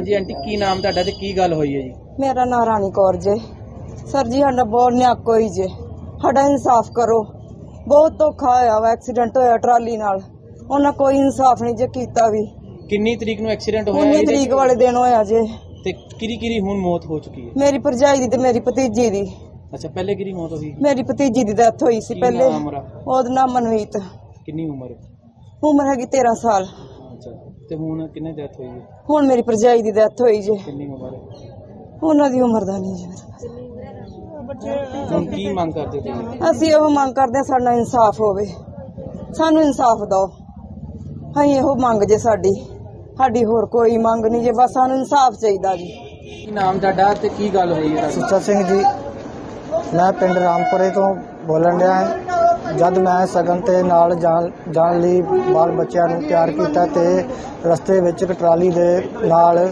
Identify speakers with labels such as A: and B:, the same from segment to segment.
A: ਹਾਂਜੀ ਆਂਟੀ ਕੀ ਨਾਮ ਤੁਹਾਡਾ ਤੇ ਕੀ ਗੱਲ ਹੋਈ ਹੈ ਜੀ?
B: मेरा नाम रानी कौर जे। सर जी साडा बहुत न्याक होई जे, साडा इंसाफ करो। बहुत धोखा होया वा, एक्सीडेंट होया ट्राली नाल, उन्हां कोई इंसाफ नहीं जे कीता भी।
A: किन्नी तरीक नूं एक्सीडेंट होया?
B: 19 तरीक वाले दिन होया जे।
A: ते किरी हुण मौत हो चुकी है?
B: मेरी भरजाई दी ते मेरी भतीजी दी।
A: अच्छा पहले किरी मौत होई?
B: मेरी भतीजी दी डेथ होई सी पहले। ओदा नाम मनमीत।
A: किन्नी उम्र?
B: उम्र हैगी 13 साल।
A: अच्छा ते हुण किन्ने डेथ होई है?
B: हुण मेरी भरजाई दी डेथ होई जे।
A: किन्नी उम्र है?
B: उन्हां दी उम्र दा नहीं जी।
A: ਹੁਣ ਕੀ ਮੰਗ ਕਰਦੇ ਤੁਸੀਂ?
B: ਅਸੀਂ ਇਹੋ ਮੰਗ ਕਰਦੇ ਹਾਂ ਸਾਡਾ ਇਨਸਾਫ ਹੋਵੇ, ਸਾਨੂੰ ਇਨਸਾਫ ਦਿਓ। ਅਸੀਂ ਇਹੋ ਮੰਗ ਜੇ ਸਾਡੀ ਹੋਰ ਕੋਈ ਮੰਗ ਨਹੀਂ ਜੇ, ਬਸ ਸਾਨੂੰ ਇਨਸਾਫ ਚਾਹੀਦਾ ਜੀ।
A: ਕੀ ਨਾਮ ਤੁਹਾਡਾ ਤੇ ਕੀ ਗੱਲ ਹੋਈ ਹੈ?
C: ਸੁੱਚਾ ਸਿੰਘ ਜੀ, ਮੈਂ ਪਿੰਡ ਰਾਮਪੁਰੇ ਤੋਂ ਬੋਲਣ ਡਿਆ ਹਾਂ। ਜਦ ਮੈਂ ਸਗਨ ਤੇ ਨਾਲ ਜਾਣ ਲਈ ਬਾਲ ਬੱਚਿਆਂ ਨੂੰ ਤਿਆਰ ਕੀਤਾ ਤੇ ਰਸਤੇ ਵਿੱਚ ਇੱਕ ਟਰਾਲੀ ਦੇ ਨਾਲ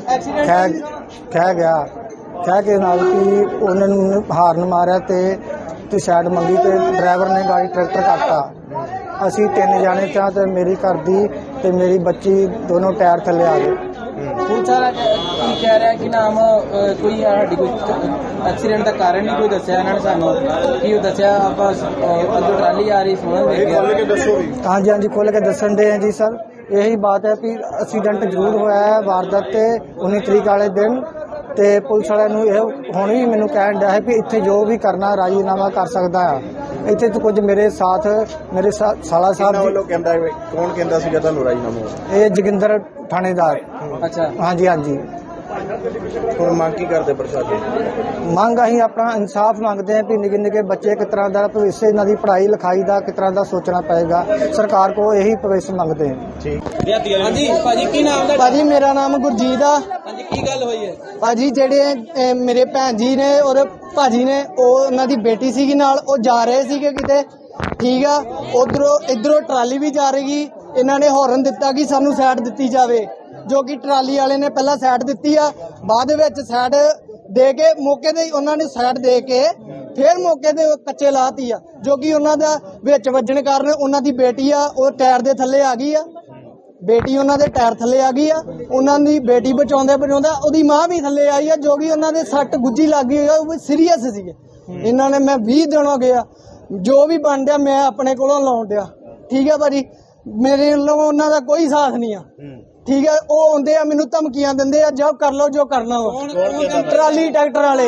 C: ਖਹਿ ਗਿਆ। ਕਹਿ ਕੇ ਨਾਲ ਕਿ ਉਹਨਾਂ ਨੂੰ ਹਾਰਨ ਮਾਰਿਆ ਤੇ ਸਾਈਡ ਮੰਗੀ ਤੇ ਡਰਾਈਵਰ ਨੇ ਗਾੜੀ ਟਰੈਕਟਰ ਕੱਟਤਾ। ਅਸੀਂ 3 ਜਾਣੇ ਚਾਹ ਤੇ ਮੇਰੀ ਘਰ ਦੀ ਤੇ ਮੇਰੀ ਬੱਚੀ ਦੋਨੋਂ ਟਾਇਰ ਥੱਲੇ ਆ ਗਏ।
A: ਪੁਲਿਸ ਵਾਲਾ ਕੀ ਕਹਿ ਰਿਹਾ ਕਿ ਨਾਮ ਕੋਈ ਸਾਡੀ ਕੋਈ ਐਕਸੀਡੈਂਟ ਦਾ ਕਾਰਨ ਨਹੀਂ ਕੋਈ ਦੱਸਿਆ ਇਹਨਾਂ ਨੇ ਸਾਨੂੰ? ਕੀ ਉਹ ਦੱਸਿਆ ਆਪਾਂ ਅੱਗੇ ਟਰਾਲੀ ਆ ਰਹੀ ਸੁਣਨ ਦੇ ਗਿਆ?
C: ਹਾਂਜੀ ਖੁੱਲ੍ਹ ਕੇ ਦੱਸਣ ਦੇ ਆ ਜੀ ਸਰ। ਇਹੀ ਬਾਤ ਹੈ ਕਿ ਐਕਸੀਡੈਂਟ ਜ਼ਰੂਰ ਹੋਇਆ ਹੈ ਵਾਰਦਾਤ ਤੇ 19 ਤਰੀਕ ਵਾਲੇ ਦਿਨ। ਤੇ ਪੁਲਿਸ ਵਾਲਿਆਂ ਨੂੰ ਇਹ ਹੁਣ ਵੀ ਮੈਨੂੰ ਕਹਿਣ ਡਿਆ ਹੈ ਕਿ ਇੱਥੇ ਜੋ ਵੀ ਕਰਨਾ ਰਾਜੀਨਾਮਾ ਕਰ ਸਕਦਾ ਆ। ਇੱਥੇ ਤਾਂ ਕੁਝ ਮੇਰੇ ਸਾਥ ਮੇਰੇ ਸਾਲਾ ਸਾਹਿਬ
D: ਵੱਲੋਂ ਕਹਿੰਦਾ, ਕੌਣ ਕਹਿੰਦਾ ਸੀਗਾ ਤੁਹਾਨੂੰ ਰਾਜੀਨਾਮਾ?
C: ਇਹ ਜੋਗਿੰਦਰ ਥਾਣੇਦਾਰ।
A: ਅੱਛਾ
C: ਹਾਂਜੀ।
D: ਹੁਣ ਮੰਗ ਕੀ ਕਰਦੇ ਪ੍ਰਸ਼ਾਸਨ?
C: ਮੰਗ ਅਸੀਂ ਆਪਣਾ ਇਨਸਾਫ ਮੰਗਦੇ ਹਾਂ ਕਿ ਨਿੱਕੇ ਬੱਚੇ ਕਿਸ ਤਰ੍ਹਾਂ ਦਾ ਭਵਿੱਖ, ਇਹਨਾਂ ਦੀ ਪੜ੍ਹਾਈ ਲਿਖਾਈ ਦਾ ਕਿਸ ਤਰ੍ਹਾਂ ਦਾ ਸੋਚਣਾ ਪਏਗਾ। ਸਰਕਾਰ ਕੋਲ ਇਹੀ ਭਵਿੱਖ ਮੰਗਦੇ ਹਾਂ।
A: ਠੀਕ। ਹਾਂਜੀ ਭਾਜੀ ਕੀ ਨਾਮ ਦਾ?
C: ਭਾਜੀ ਮੇਰਾ ਨਾਮ ਗੁਰਜੀਤ ਆ।
A: ਹਾਂਜੀ ਕੀ ਗੱਲ ਹੋਈ ਹੈ?
C: ਭਾਜੀ ਜਿਹੜੇ ਮੇਰੇ ਭੈਣ ਜੀ ਨੇ ਔਰ ਭਾਜੀ ਨੇ, ਉਹਨਾਂ ਦੀ ਬੇਟੀ ਸੀਗੀ ਨਾਲ, ਉਹ ਜਾ ਰਹੇ ਸੀਗੇ ਕਿਤੇ, ਠੀਕ ਆ। ਇਧਰੋਂ ਟਰਾਲੀ ਵੀ ਜਾ ਰਹੀ। ਇਹਨਾਂ ਨੇ ਹੌਰਨ ਦਿੱਤਾ ਕਿ ਸਾਨੂੰ ਸਾਈਡ ਦਿੱਤੀ ਜਾਵੇ, ਜੋ ਕਿ ਟਰਾਲੀ ਵਾਲੇ ਨੇ ਪਹਿਲਾਂ ਸਾਈਡ ਦਿੱਤੀ ਆ। ਬਾਅਦ ਵਿੱਚ ਸਾਈਡ ਦੇ ਕੇ ਮੌਕੇ ਤੇ ਉਹਨਾਂ ਨੇ ਸਾਈਡ ਦੇ ਕੇ ਫਿਰ ਮੌਕੇ ਤੇ ਕੱਚੇ ਲਾਤੀ ਆ, ਜੋ ਕਿ ਉਹਨਾਂ ਦਾ ਵਿੱਚ ਵੱਜਣ ਕਾਰਨ ਉਹਨਾਂ ਦੀ ਬੇਟੀ ਆ ਉਹ ਟਾਇਰ ਦੇ ਥੱਲੇ ਆ ਗਈ ਆ। ਬੇਟੀ ਉਹਨਾਂ ਦੇ ਟਾਇਰ ਥੱਲੇ ਆ ਗਈ ਆ। ਉਹਨਾਂ ਦੀ ਬੇਟੀ ਬਚਾਉਂਦਾ ਉਹਦੀ ਮਾਂ ਵੀ ਥੱਲੇ ਆਈ ਆ, ਜੋ ਕਿ ਉਹਨਾਂ ਦੇ ਸੱਟ ਗੁੱਜੀ ਲੱਗ ਗਈ ਆ, ਉਹ ਸੀਰੀਅਸ ਸੀਗੇ। ਇਹਨਾਂ ਨੇ ਮੈਂ 20 ਦਿਨ ਹੋ ਗਿਆ, ਜੋ ਵੀ ਬਣ ਡਿਆ ਮੈਂ ਆਪਣੇ ਕੋਲੋਂ ਲਾਉਣ ਡਿਆ, ਠੀਕ ਆ ਭਾਜੀ। ਮੇਰੇ ਵੱਲੋਂ ਉਹਨਾਂ ਦਾ ਕੋਈ ਸਾਥ ਨਹੀਂ ਆ, ਠੀਕ ਹੈ। ਉਹ ਆਉਂਦੇ ਆ ਮੈਨੂੰ ਧਮਕੀਆਂ ਦਿੰਦੇ ਆ, ਜਬ ਕਰ ਲਓ ਜੋ ਕਰਨਾ ਵਾ। ਟਰਾਲੀ ਟਰੈਕਟਰ ਵਾਲੇ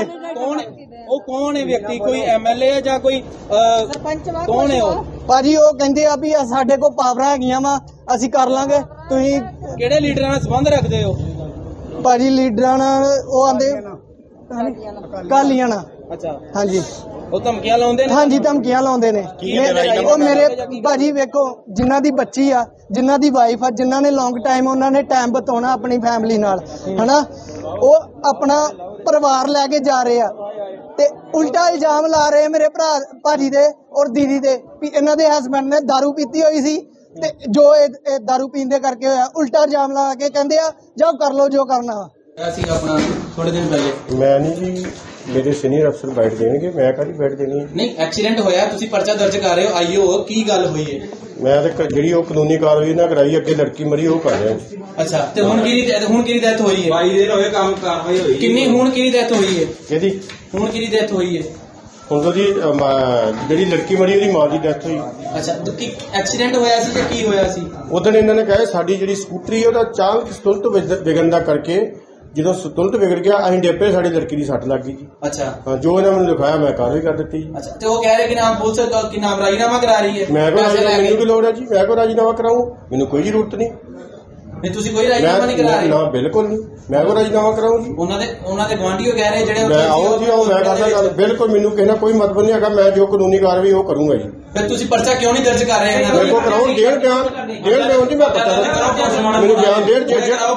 A: ਕੌਣ ਹੈ ਵਿਅਕਤੀ? ਕੋਈ ਐਮਐਲਏ ਹੈ ਜਾਂ ਕੋਈ ਸਰਪੰਚ? ਕੌਣ ਹੈ ਉਹ
C: ਭਾਜੀ? ਉਹ ਕਹਿੰਦੇ ਆ ਵੀ ਸਾਡੇ ਕੋਲ ਪਾਵਰਾਂ ਹੈਗੀਆਂ ਵਾ, ਅਸੀਂ ਕਰ ਲਾਂਗੇ। ਤੁਸੀਂ
A: ਕਿਹੜੇ ਲੀਡਰਾਂ ਨਾਲ ਸੰਬੰਧ ਰੱਖਦੇ ਹੋ?
C: ਭਾਜੀ ਲੀਡਰਾਂ ਨਾਲ ਉਹ ਆਂਦੇ ਕਾਲੀਆਂ ਨਾਲ।
A: ਅੱਛਾ
C: ਹਾਂਜੀ।
A: ਉਹ ਧਮਕੀਆਂ ਲਾਉਂਦੇ ਨੇ? ਹਾਂਜੀ
C: ਧਮਕੀਆਂ ਲਾਉਂਦੇ ਨੇ। ਉਹ ਮੇਰੇ ਭਾਜੀ ਵੇਖੋ, ਜਿਨ੍ਹਾਂ ਦੀ ਬੱਚੀ ਆ, ਜਿਨ੍ਹਾਂ ਦੀ ਵਾਈਫ ਆ, ਜਿਨ੍ਹਾਂ ਨੇ ਲੌਂਗ ਟਾਈਮ ਉਹਨਾਂ ਨੇ ਟਾਈਮ ਬਿਤਾਉਣਾ ਆਪਣੀ ਫੈਮਿਲੀ ਨਾਲ, ਹਨਾ, ਉਹ ਆਪਣਾ ਪਰਿਵਾਰ ਲੈ ਕੇ ਜਾ ਰਹੇ ਆ ਤੇ ਉਲਟਾ ਇਲਜ਼ਾਮ ਲਾ ਰਹੇ ਮੇਰੇ ਭਰਾ ਭਾਜੀ ਦੇ ਔਰ ਦੀਦੀ ਦੇ ਵੀ ਇਹਨਾਂ ਦੇ ਹਸਬੈਂਡ ਨੇ ਦਾਰੂ ਪੀਤੀ ਹੋਈ ਸੀ ਤੇ ਜੋ ਇਹ ਦਾਰੂ ਪੀਣ ਦੇ ਕਰਕੇ ਹੋਇਆ। ਉਲਟਾ ਇਲਜ਼ਾਮ ਲਾ ਕੇ ਕਹਿੰਦੇ ਆ ਜਾਓ ਕਰ ਲਓ ਜੋ ਕਰਨਾ।
A: ਅਸੀਂ ਆਪਣਾ ਥੋੜੇ ਦਿਨ ਪਹਿਲੇ
D: ਮੈਂ ਨਹੀਂ ਜੀ, ਮੇਰੇ ਸੀਨੀਅਰ ਅਫਸਰ ਬੈਠ ਦੇਣਗੇ, ਮੈਂ ਕਾਹਦੀ ਬੈਠ ਦੇਣੀ ਹੈ?
A: ਨਹੀਂ, ਐਕਸੀਡੈਂਟ ਹੋਇਆ, ਤੁਸੀਂ ਪਰਚਾ ਦਰਜ ਕਰ ਰਹੇ ਹੋ, ਆਈਓ ਕੀ ਗੱਲ ਹੋਈ ਹੈ?
D: ਮੈਂ ਤਾਂ ਜਿਹੜੀ ਉਹ ਕਾਨੂੰਨੀ ਕਾਰਵਾਈ ਨਾ ਕਰਾਈ, ਅੱਗੇ ਲੜਕੀ ਮਰੀ ਉਹ ਕਰ ਰਿਹਾ।
A: ਅੱਛਾ ਤੇ ਹੁਣ ਕਿਹਦੀ ਡੈਥ ਹੋਈ ਹੈ? 22 ਦਿਨ ਹੋਏ ਕੰਮ ਕਾਰਵਾਈ ਹੋਈ। ਕਿੰਨੀ ਹੁਣ ਕਿਹਦੀ ਡੈਥ ਹੋਈ ਹੈ?
D: ਕਿਹਦੀ?
A: ਹੁਣ ਕਿਹਦੀ ਡੈਥ ਹੋਈ ਹੈ?
D: ਹੁਣ ਉਹਦੀ ਜਿਹੜੀ ਲੜਕੀ ਮਰੀ ਉਹਦੀ ਮਾਂ ਦੀ ਡੈਥ ਹੋਈ।
A: ਅੱਛਾ ਕੀ ਐਕਸੀਡੈਂਟ ਹੋਇਆ ਸੀ ਜਾਂ ਕੀ ਹੋਇਆ ਸੀ?
D: ਉਦੋਂ ਇਹਨਾਂ ਨੇ ਕਿਹਾ ਸਾਡੀ ਜਿਹੜੀ ਸਕੂਟਰੀ ਉਹਦਾ ਚਾਲਕ ਸੰਤੁਲਨ ਵਿਗੜਨ ਦਾ ਕਰਕੇ, ਜਦੋਂ ਸੰਤੁਲਨ ਵਿਗੜ ਗਿਆ ਅਸੀਂ ਡੇਪੇ, ਸਾਡੀ ਲੜਕੀ ਦੀ ਸੱਟ ਲੱਗ ਗਈ ਜੀ।
A: ਅੱਛਾ
D: ਹਾਂ, ਜੋ ਇਹਨਾਂ ਮੈਨੂੰ ਦਿਖਾਇਆ ਮੈਂ ਕਾਰਵਾਈ ਕਰ ਦਿੱਤੀ।
A: ਅੱਛਾ ਤੇ ਉਹ ਕਹਿ ਰਹੇ ਕਿ ਨਾਮ ਪੁਲਿਸ ਕਿ ਨਾਮ ਰਾਜੀਨਾਮਾ ਕਰਾ ਰਹੀ ਹੈ?
D: ਮੈਨੂੰ ਕੀ ਲੋੜ ਹੈ ਜੀ? ਮੈਂ ਕੋ ਰਾਜੀਨਾਮਾ ਕਰਾਊਂ? ਮੈਨੂੰ ਕੋਈ ਜ਼ਰੂਰਤ ਨਹੀਂ।
A: ਨਹੀਂ ਤੁਸੀਂ ਕੋਈ ਰਾਜੀਨਾਮਾ ਨਹੀਂ ਕਰਾ ਰਹੇ?
D: ਨਾ ਬਿਲਕੁਲ ਨਹੀਂ, ਮੈਂ ਕੋ ਰਾਜੀਨਾਮਾ ਕਰਾਊਂ ਜੀ?
A: ਉਹਨਾਂ ਦੇ ਗੁਆਂਢੀਓ ਕਹਿ ਰਹੇ ਜਿਹੜੇ
D: ਮੈਂ ਆਓ ਜੀ ਆਓ, ਮੈਂ ਕਰਦਾ ਗੱਲ। ਬਿਲਕੁਲ ਮੈਨੂੰ ਕਿਸੇ ਨਾਲ ਕੋਈ ਮਤਲਬ ਨਹੀਂ ਹੈਗਾ, ਮੈਂ ਜੋ ਕਾਨੂੰਨੀ ਕਾਰਵਾਈ ਉਹ ਕਰੂੰਗਾ ਜੀ।
A: ਫਿਰ ਤੁਸੀਂ ਪਰਚਾ ਕਿਉਂ ਨਹੀਂ ਦਰਜ ਕਰ ਰਹੇ?
D: ਮੇਰੇ ਕੋਲ ਕਰਾਉਣ ਡੇਢ ਬਿਆਨ ਜੀ, ਮੈਂ ਪਤਾ ਮੈਨੂੰ ਬਿਆਨ ਡੇਢ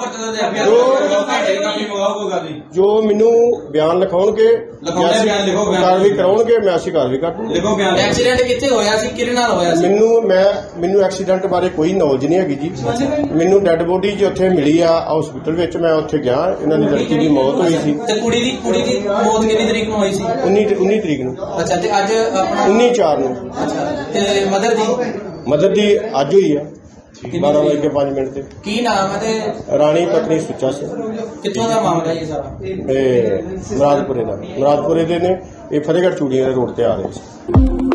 D: ਜੋ ਮੈਨੂੰ ਬਿਆਨ ਲਿਖਾਉਣਗੇ, ਕਾਰਵਾਈ ਕਰਾਉਣਗੇ, ਮੈਂ ਅਸੀਂ ਕਾਰਵਾਈ ਕਰ ਦੂੰਗਾ।
A: ਐਕਸੀਡੈਂਟ ਕਿੱਥੇ ਹੋਇਆ ਸੀ, ਕਿਹਦੇ ਨਾਲ ਹੋਇਆ ਸੀ?
D: ਮੈਨੂੰ ਐਕਸੀਡੈਂਟ ਬਾਰੇ ਕੋਈ ਨੌਲੇਜ ਨਹੀਂ ਹੈਗੀ ਜੀ। ਮੈਨੂੰ ਡੈੱਡ ਬੋਡੀ ਜੀ ਉੱਥੇ ਮਿਲੀ ਆ ਹਸਪੀਟਲ ਵਿੱਚ, ਮੈਂ ਉੱਥੇ ਗਿਆ, ਇਹਨਾਂ ਦੀ ਲੜਕੀ ਦੀ ਮੌਤ ਹੋਈ ਸੀ।
A: ਤੇ ਕੁੜੀ ਦੀ ਮੌਤ ਕਿੰਨੀ ਤਰੀਕ ਨੂੰ ਹੋਈ ਸੀ?
D: 19 ਤਰੀਕ ਨੂੰ।
A: ਅੱਛਾ ਤੇ ਅੱਜ ਆਪਣਾ
D: 19/4 ਨੂੰ।
A: ਅੱਛਾ ਤੇ ਮਦਰ ਦੀ
D: ਅੱਜ ਹੋਈ ਆ। 12:05 ਤੇ।
A: ਕੀ ਨਾਮ ਹੈ ਤੇ
D: ਰਾਣੀ ਪਤਨੀ ਸੁੱਚਾ ਸਿੰਘ,
A: ਕਿੱਥੋਂ ਦਾ ਮਾਮਲਾ ਇਹ ਸਾਰਾ?
D: ਇਹ ਮੁਰਾਦਪੁਰੇ ਦੇ ਨੇ। ਇਹ ਫਤਿਹਗੜ੍ਹ ਚੂੜੀਆਂ ਦੇ ਰੋਡ ਤੇ ਆ ਰਹੇ ਸੀ।